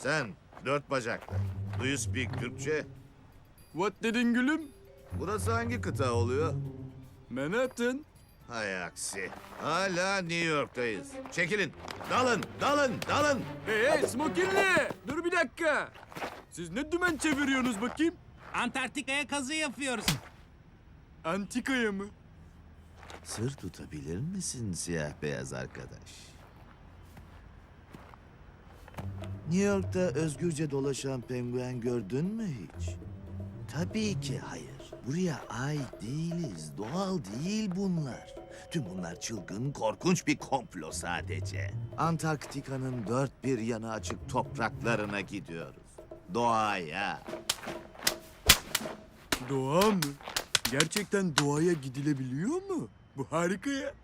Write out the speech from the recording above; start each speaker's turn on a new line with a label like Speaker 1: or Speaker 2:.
Speaker 1: Sen dört bacaklı. Do you speak Türkçe?
Speaker 2: What dedin gülüm?
Speaker 1: Burası hangi kıta oluyor?
Speaker 2: Manhattan.
Speaker 1: Hay aksi. Hala New York'tayız. Çekilin. Dalın, dalın, dalın.
Speaker 2: Hey Smokinli! Dur bir dakika. Siz ne dümen çeviriyorsunuz bakayım?
Speaker 3: Antarktika'ya kazı yapıyoruz.
Speaker 2: Antikaya mı?
Speaker 1: Sır tutabilir misin siyah beyaz arkadaş? New York'ta özgürce dolaşan penguen gördün mü hiç? Tabii ki hayır. Buraya ait değiliz. Doğal değil bunlar. Tüm bunlar çılgın, korkunç bir komplo sadece. Antarktika'nın dört bir yanı açık topraklarına gidiyoruz. Doğaya.
Speaker 2: Doğa mı? Gerçekten doğaya gidilebiliyor mu? Bu harika ya.